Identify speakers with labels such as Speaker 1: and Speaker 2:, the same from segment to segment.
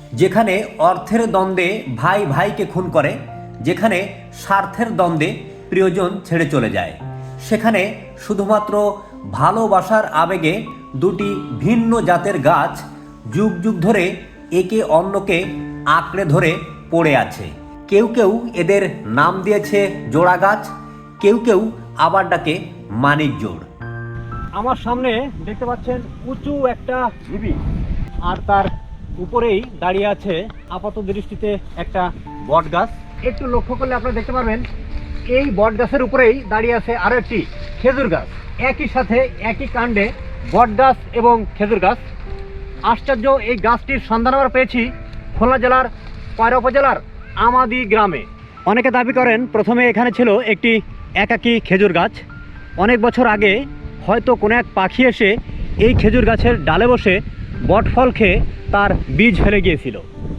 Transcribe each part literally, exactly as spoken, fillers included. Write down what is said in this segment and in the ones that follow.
Speaker 1: যেখানে অর্থের দ্বন্দ্বে ভাই ভাইকে খুন করে, যেখানে স্বার্থের দ্বন্দ্বে প্রিয়জন ছেড়ে চলে যায়, সেখানে শুধুমাত্র ভালোবাসার আবেগে দুটি ভিন্ন জাতের গাছ যুগ যুগ ধরে একে অন্যকে আঁকড়ে ধরে পড়ে আছে। কেউ কেউ এদের নাম দিয়েছে জোড়া গাছ, কেউ কেউ আবার ডাকে মানিক জোড়। আমার সামনে দেখতে পাচ্ছেন উঁচু একটা ঢিবি, আর তার উপরেই দাঁড়িয়ে আছে আপাত দৃষ্টিতে একটা বট গাছ। একটু লক্ষ্য করলে আপনারা দেখতে পারবেন এই বট গাছের উপরেই দাঁড়িয়ে আছে আরো একটি খেজুর গাছ। একই সাথে একই কাণ্ডে বট গাছ এবং খেজুর গাছ। আশ্চর্য, এই গাছটির সন্ধান আমরা পেয়েছি খুলনা জেলার কয়রা উপজেলার আমাদি গ্রামে। অনেকে দাবি করেন প্রথমে এখানে ছিল একটি একাকী খেজুর গাছ। অনেক বছর আগে হয়তো কোনো এক পাখি এসে এই খেজুর গাছের ডালে বসে বট ফল খেয়ে তার বীজ ফেলে গিয়েছিল।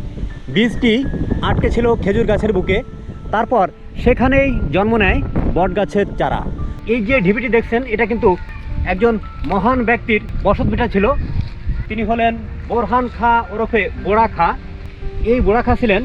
Speaker 1: বীজটি আটকে ছিল খেজুর গাছের বুকে, তারপর সেখানেই জন্ম নেয় বট গাছের চারা। এই যে ঢিবিটি দেখছেন, এটা কিন্তু একজন মহান ব্যক্তির বসতভিটা ছিল। তিনি হলেন বোরহান খাঁ ওরফে বোড়া খাঁ। এই বোড়া খাঁ ছিলেন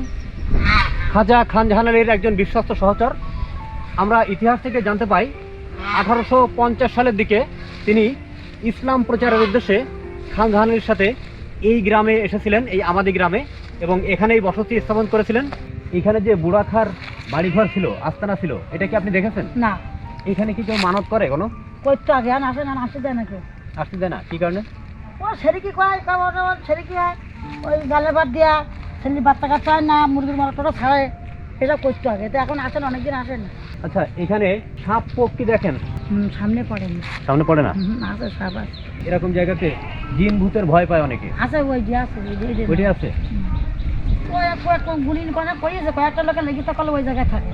Speaker 1: খাজা খান জাহান আলীর একজন বিশ্বস্ত সহচর। আমরা ইতিহাস থেকে জানতে পাই আঠারোশো পঞ্চাশ সালের দিকে তিনি ইসলাম প্রচারের উদ্দেশ্যে খান জাহান আলীর সাথে এই গ্রামে এসেছিলেন, এই আমাদি গ্রামে, এবং এখানেই বসতি স্থাপন করেছিলেন। এখানে যে বুড়া খার বাড়িঘর ছিল, আস্তানা ছিল, এটা কি আপনি দেখেছেন?
Speaker 2: না।
Speaker 1: এখানে কি কেউ মানত করে কোনো?
Speaker 2: করতে আগে আর আসে না, আসতে দেয় না কেউ।
Speaker 1: আসতে দেয় না? কি কারণে?
Speaker 2: ও সেরিকি কয়, কেমন কেমন সেরিকি হয়, ওই গালে ভাত দিয়া ছেলে বাচ্চা কাচ্চা হয় না, মুরগির মারাটা ছাড়ে, এসব করতে আগে। তো এখন আসেন, অনেকদিন আসেন।
Speaker 1: আচ্ছা, এখানে সাপ পোক কি দেখেন?
Speaker 2: হুম, সামনে পড়ে না।
Speaker 1: সামনে পড়ে না?
Speaker 2: হুম, আছে সাপ আছে।
Speaker 1: এরকম জায়গাতে জিন ভূতের ভয় পায় অনেকে।
Speaker 2: আছে, ওই যে আছে,
Speaker 1: ওইটি আছে।
Speaker 2: ওই একটু গুলি করে পড়িয়েছে, কয়েকটা লোকের লেগে তখন ওই জায়গায় থাকে।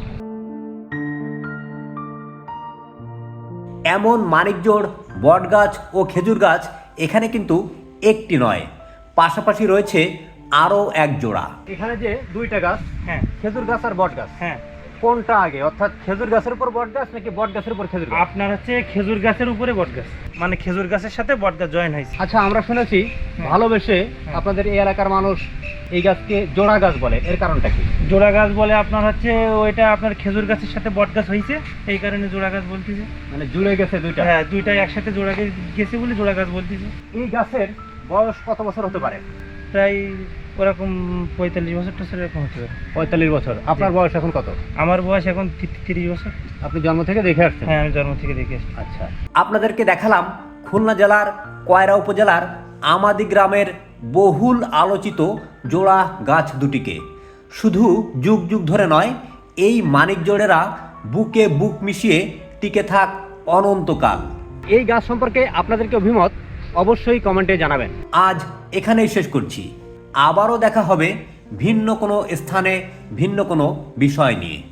Speaker 1: এমন মানিকজোড় বট গাছ ও খেজুর গাছ এখানে কিন্তু একটি নয়, পাশাপাশি রয়েছে আরও এক জোড়া। এখানে যে দুইটা গাছ,
Speaker 3: হ্যাঁ,
Speaker 1: খেজুর গাছ আর বট গাছ,
Speaker 3: হ্যাঁ,
Speaker 1: কোনটা আগে? অর্থাৎ খেজুর গাছের উপর বট গাছ নাকি বট গাছের উপর খেজুর গাছ?
Speaker 3: আপনার হচ্ছে খেজুর গাছের উপরে বট গাছ, মানে খেজুর গাছের সাথে বট গাছ জয়েন হয়েছে।
Speaker 1: আচ্ছা, আমরা শুনেছি ভালোবেসে আপনাদের এই এলাকার মানুষ এই গাছকে জোড়া গাছ বলে, এর কারণটা কি?
Speaker 3: জোড়া গাছ বলে আপনার হচ্ছে ওইটা আপনার খেজুর গাছের সাথে বট গাছ হয়েছে, এই কারণে জোড়া গাছ বলতেছে।
Speaker 1: মানে জুড়ে গেছে দুইটা?
Speaker 3: হ্যাঁ, দুইটাই একসাথে জোড়া গেছে বলে জোড়া গাছ বলতেছে।
Speaker 1: এই গাছের বয়স কত বছর হতে পারে?
Speaker 3: প্রায় ওরকম পঁয়তাল্লিশ বছর টছর এরকম হতে পারে।
Speaker 1: পঁয়তাল্লিশ বছর। আপনার বয়স এখন কত?
Speaker 3: আমার বয়স এখন তিরিশ বছর।
Speaker 1: আপনি জন্ম থেকে দেখে আসছেন?
Speaker 3: হ্যাঁ, আমি জন্ম থেকে দেখে আসছি।
Speaker 1: আচ্ছা, আপনাদেরকে দেখালাম খুলনা জেলার কয়রা উপজেলার আমাদি গ্রামের বহুল আলোচিত জোড়া গাছ দুটিকে। শুধু যুগ যুগ ধরে নয়, এই মানিক জোড়েরা বুকে বুক মিশিয়ে টিকে থাক অনন্তকাল। এই গাছ সম্পর্কে আপনাদেরকে অভিমত অবশ্যই কমেন্টে জানাবেন। আজ এখানেই শেষ করছি, আবারও দেখা হবে ভিন্ন কোনো স্থানে ভিন্ন কোনো বিষয় নিয়ে।